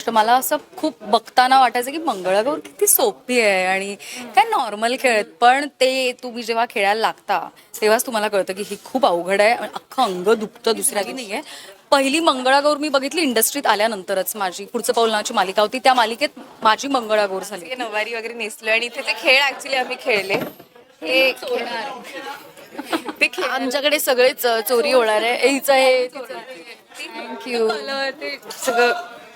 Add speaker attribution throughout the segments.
Speaker 1: तर मला असं खूप बघताना वाटायचं की मंगळागौर किती सोपी आहे आणि काय नॉर्मल खेळ आहेत. पण ते तुम्ही जेव्हा खेळायला लागता तेव्हाच तुम्हाला कळतं की ही खूप अवघड आहे. अख्खं अंग दुखतं दुसऱ्या की नाही आहे. पहिली मंगळागौर मी बघितली इंडस्ट्रीत आल्यानंतरच. माझी पुढचं पाऊल नावाची मालिका होती, त्या मालिकेत माझी मंगळागौर झाली.
Speaker 2: नवारी वगैरे नेसलो आणि इथे ते खेळ ऍक्च्युली आम्ही खेळले. हे ते खेळ
Speaker 1: आमच्याकडे सगळेच चोरी होणार आहे. हिचं हे थँक्यू.
Speaker 2: कलर ते सगळं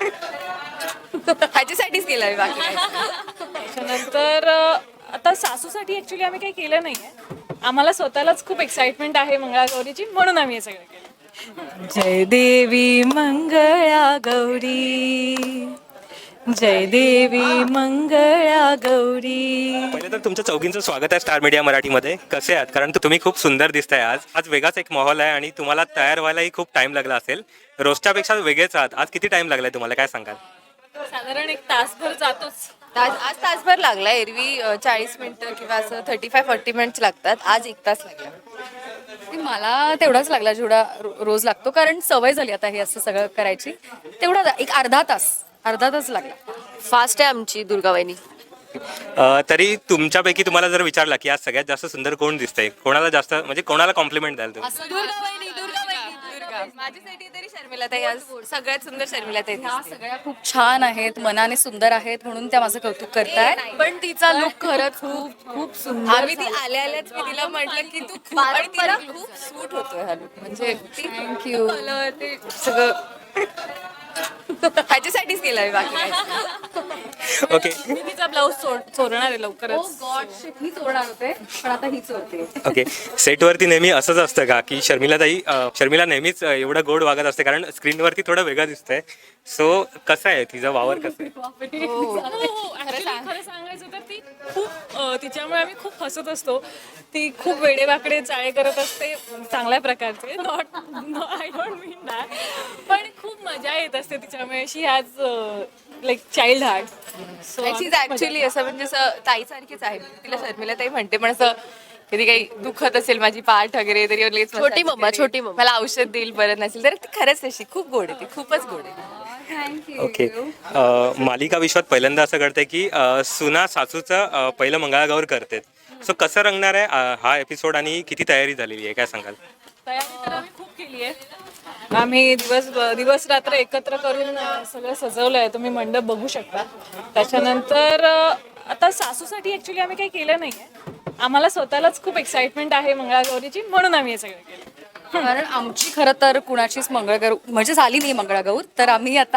Speaker 2: ह्याच्यासाठीच केलं आहे बाकी काही.
Speaker 3: त्याच्यानंतर आता सासूसाठी ॲक्च्युली आम्ही काही केलं नाही आहे. आम्हाला स्वतःलाच खूप एक्साइटमेंट आहे मंगळागौरीची, म्हणून आम्ही हे सगळं केलं.
Speaker 4: जय देवी मंगळा गौरी, जय देवी मंगळा गौरी.
Speaker 5: पहिले तर तुमच्या चौघींचं स्वागत आहे स्टार मीडिया मराठीमध्ये. कसे आहात? कारण तुम्ही खूप सुंदर दिसताय आज. आज वेगळाच एक माहोल आहे आणि तुम्हाला तयार व्हायलाही खूप टाइम लागला असेल. रोजच्यापेक्षा वेगळेच आहात. आज किती टाइम लागलाय तुम्हाला, काय सांगाल?
Speaker 3: साधारण एक तासभर जातोच.
Speaker 2: आज तासभर लागला. एरवी 40 मिनिटं किंवा असं 35-40 मिनिट्स लागतात. आज 1 तास लागला.
Speaker 1: मला तेवढाच लागला जेवढा रोज लागतो, कारण सवय झाली आता हे असं सगळं करायची. तेवढा एक अर्धा तास लागला.
Speaker 2: फास्ट आहे आमची दुर्गावाहिनी.
Speaker 5: तरी तुमच्यापैकी तुम्हाला जर विचारला की आज सगळ्यात जास्त सुंदर कोण दिसतंय, कोणाला जास्त म्हणजे कोणाला कॉम्प्लिमेंट द्याल तुम्ही?
Speaker 2: दुर्गा माझ्यासाठी तरी शर्मिलाताई आज सगळ्यात सुंदर शर्मिलाताई
Speaker 1: ह्या
Speaker 2: दिसते.
Speaker 1: सगळ्या खूप छान आहेत, मनाने सुंदर आहेत, म्हणून त्या माझं कौतुक करताय. पण तिचा लुक खरंच खूप खूप सुंदर.
Speaker 2: आम्ही ती आल्याच मी तिला म्हटलं की तू खूप आणि तिला खूप सूट होतोय हा लुक. म्हणजे
Speaker 1: थँक्यू.
Speaker 2: कलर ते सगळं ह्याच्यासाठीच केलं आहे बाकी काही.
Speaker 5: ओके
Speaker 3: मी तिचा ब्लाऊज चोरणार आहे लवकरच.
Speaker 1: गॉड शिट, मी चोरणार होते पण आता ही चोरते.
Speaker 5: ओके. सेटवरती नेहमी असंच असतं का की शर्मिला नेहमीच एवढं गोड वागत असते, कारण स्क्रीनवरती थोडं वेगळं दिसतंय. सो कसं आहे तिचा वावर, कसं आहे?
Speaker 3: हो, actually खरं सांगायचं तर ती खूप तिच्यामुळे आम्ही खूप हसत असतो. ती खूप वेडेवाकडे चाळे करत असते चांगल्या प्रकारचे. आय डोंट मीन दॅट, पण खूप मजा येत असते तिच्यामुळे. She has like child heart. So
Speaker 2: actually असं म्हणजे असं ताईसारखीच आहे. तिला शर्मिलाताई म्हणते, पण असं कधी काही दुखत असेल माझी पाठ वगैरे तरी लगेच
Speaker 1: छोटी मम्मा, छोटी मम्मा.
Speaker 2: मला औषध देईल बरं नसेल तर ती खरंच तशी खूप गोड आहे. ती खूपच गोड आहे.
Speaker 5: ओके. मालिका विश्वात पहिल्यांदा असं घडतंय की सुना सासूचं पहिलं मंगळागौर करते. सो कसं रंगणार आहे हा एपिसोड आणि किती तयारी झालेली आहे, काय सांगाल?
Speaker 3: तयारी तर आम्ही खूप केली आहे. आम्ही दिवस रात्र एकत्र करून सगळं सजवलं आहे. तुम्ही मंडप बघू शकता. त्याच्यानंतर आता सासूसाठी ॲक्च्युली आम्ही काही केलं नाही आहे. आम्हाला स्वतःलाच खूप एक्साइटमेंट आहे मंगळागौरीची, म्हणून आम्ही हे सगळं केलं.
Speaker 1: कारण आमची खरं तर कुणाचीच मंगळागौर म्हणजे झाली नाही मंगळागौर, तर आम्ही आता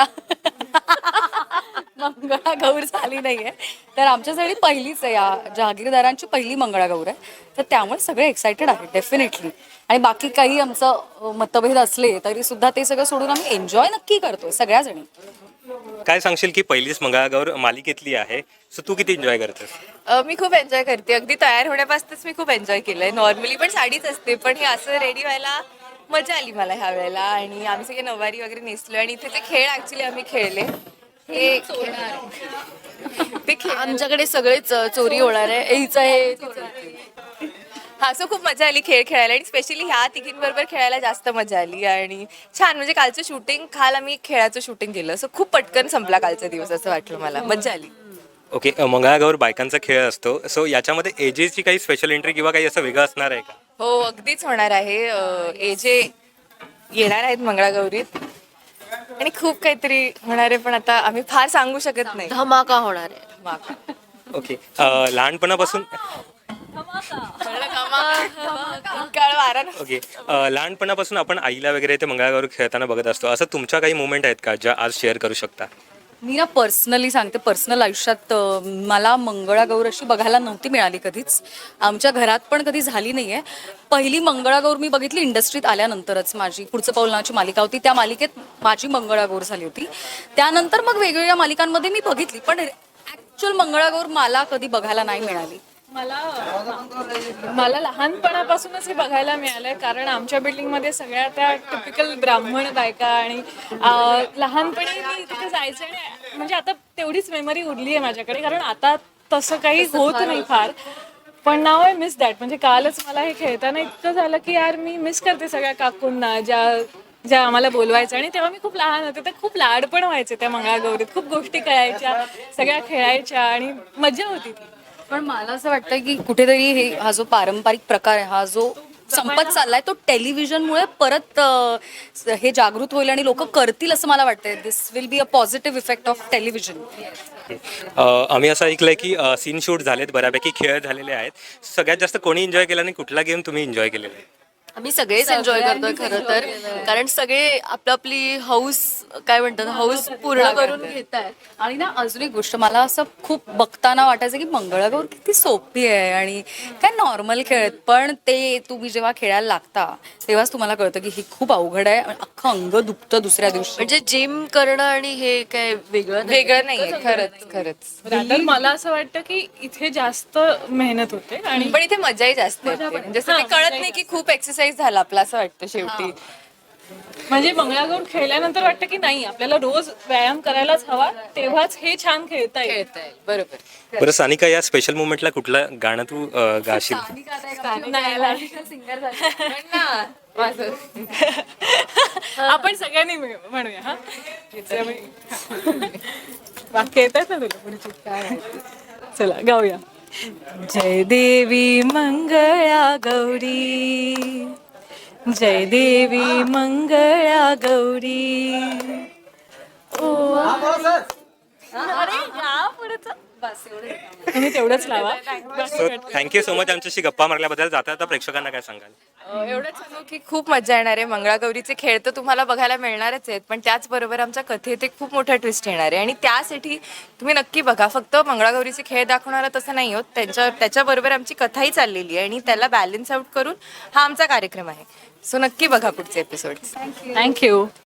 Speaker 1: मंगळागौर झाली नाहीये, तर आमच्यासाठी पहिलीच आहे. या जहागीरदारांची पहिली मंगळागौर आहे, तर त्यामुळे सगळे एक्सायटेड आहेत डेफिनेटली. आणि बाकी काही आमचं मतभेद असले तरी सुद्धा ते सगळं सोडून आम्ही एन्जॉय नक्की करतोय सगळ्याजणी.
Speaker 5: काय सांगशील की पहिलीच मंगळागौर मालिकेतली आहे, सो तू किती एन्जॉय करतेस?
Speaker 2: मी खूप एन्जॉय करते. अगदी तयार होण्यापासूनच मी खूप एन्जॉय केलंय. नॉर्मली पण साडीच असते, पण हे असं रेडी व्हायला मजा आली मला ह्या वेळेला. आणि आम्ही सगळे नवारी वगैरे नेसलो आणि इथे ते खेळ ऍक्च्युली आम्ही खेळले. ते खेळ
Speaker 1: आमच्याकडे सगळेच चोरी होणार आहे. हिचं हे
Speaker 2: हा, सो खूप मजा आली खेळ खेळायला. आणि स्पेशली ह्या तिघींबरोबर खेळायला जास्त मजा आली. आणि छान म्हणजे कालचं शूटिंग, काल आम्ही खेळाचं शूटिंग केलं, सो खूप पटकन संपला कालचा दिवस असं वाटलं मला. मजा आली.
Speaker 5: ओके. मंगळागौर बायकांचा खेळ असतो, सो याच्यामध्ये एजेसची काही स्पेशल एंट्री किंवा काही असं वेगळं असणार आहे का?
Speaker 2: हो, अगदीच होणार आहे. एजे येणार आहेत मंगळागौरीत आणि खूप काहीतरी होणार आहे, पण आता आम्ही फार सांगू शकत नाही.
Speaker 1: धमाका होणार आहे.
Speaker 2: धमाका.
Speaker 5: ओके. लहानपणापासून
Speaker 2: काळ वारा ना.
Speaker 5: ओके. लहानपणापासून आपण आईला वगैरे ते मंगळागौर खेळताना बघत असतो. असं तुमच्या काही मुवमेंट आहेत का ज्या आज शेअर करू शकता?
Speaker 1: मी ना पर्सनली सांगते, पर्सनल आयुष्यात मला मंगळागौर अशी बघायला नव्हती मिळाली कधीच. आमच्या घरात पण कधी झाली नाही आहे. पहिली मंगळागौर मी बघितली इंडस्ट्रीत आल्यानंतरच. माझी पुढचं पाऊल नावाची मालिका होती, त्या मालिकेत माझी मंगळागौर झाली होती. त्यानंतर मग वेगवेगळ्या मालिकांमध्ये मी बघितली, पण ॲक्च्युअल मंगळागौर मला कधी बघायला नाही मिळाली.
Speaker 3: मला लहानपणापासूनच हे बघायला मिळालंय, कारण आमच्या बिल्डिंगमध्ये सगळ्या त्या टिपिकल ब्राह्मण बायका आणि लहानपणी मी तिथे जायचे. आणि म्हणजे आता तेवढीच मेमरी उरली आहे माझ्याकडे, कारण आता तसं काही होत नाही फार. पण नाव आय मिस दॅट. म्हणजे कालच मला हे खेळताना इतकं झालं की यार मी मिस करते सगळ्या काकूंना, ज्या ज्या आम्हाला बोलवायच्या आणि तेव्हा मी खूप लहान होते तर खूप लाड पण व्हायचे त्या मंगळागौरीत. खूप गोष्टी कळायच्या, सगळ्या खेळायच्या आणि मजा होती ती.
Speaker 1: पण मला असं वाटतं की कुठेतरी हा जो पारंपरिक प्रकार आहे, हा जो संपत चाललाय, तो टेलिव्हिजनमुळे परत हे जागृत होईल आणि लोक करतील असं मला वाटतंय. This will be a positive effect of television.
Speaker 5: आम्ही असं ऐकलंय की सीन शूट झालेत, बऱ्यापैकी खेळ झालेले आहेत. सगळ्यात जास्त कोणी एन्जॉय केला आणि कुठला गेम तुम्ही एन्जॉय केलेला आहे?
Speaker 6: आम्ही सगळेच एन्जॉय करतोय खरं तर, कारण सगळे आपली हौस काय म्हणतात हौस पूर्ण करून घेत आहेत.
Speaker 1: आणि ना अजून एक गोष्ट मला असं खूप बघताना वाटायचं की मंगळागौर किती सोपी आहे आणि काय नॉर्मल खेळ आहेत, पण ते तुम्ही जेव्हा खेळायला लागता तेव्हाच तुम्हाला कळतं की हे खूप अवघड आहे. अख्खं अंग दुखतं दुसऱ्या दिवशी.
Speaker 6: म्हणजे जिम करणं आणि हे काय वेगळं नाही.
Speaker 2: वेगळं नाहीये, खरंच.
Speaker 3: तर मला असं वाटतं की इथे जास्त मेहनत होते आणि
Speaker 2: पण इथे मजाही जास्त येते. म्हणजे असं ते कळत नाही की खूप एक्सरसाइज झाला आपला असं वाटतं शेवटी.
Speaker 3: म्हणजे मंगळागौर खेळल्यानंतर वाटतं की नाही आपल्याला रोज व्यायाम करायलाच हवा, तेव्हाच हे छान खेळता येईल.
Speaker 2: खेळता येईल, बरोबर.
Speaker 5: बरं सानिका, या स्पेशल मुवमेंटला कुठलं गाणं तू गाशील?
Speaker 3: आपण सगळ्यांनी म्हणूया हा. वाक्य येत आहेत ना तुला पुढची? काय माहिती. चला गाऊया. जय देवी मंगळा गौरी, जय देवी मंगळा गौरी. तुम्ही तेवढंच लावा.
Speaker 5: सो थँक्यू सो मच आमच्याशी गप्पा मारल्याबद्दल. जाता जाता प्रेक्षकांना काय सांगाल?
Speaker 2: एवढंच सांगू की खूप मजा येणार आहे. मंगळागौरीचे खेळ तर तुम्हाला बघायला मिळणारच आहेत, पण त्याचबरोबर आमच्या कथेत एक खूप मोठा ट्विस्ट येणार आहे आणि त्यासाठी तुम्ही नक्की बघा. फक्त मंगळागौरीचे खेळ दाखवणारा तसं नाही होत, त्याच्याबरोबर आमची कथाही चाललेली आहे आणि त्याला बॅलन्स आउट करून हा आमचा कार्यक्रम आहे. सो नक्की बघा पुढचे एपिसोड्स.
Speaker 3: थँक्यू.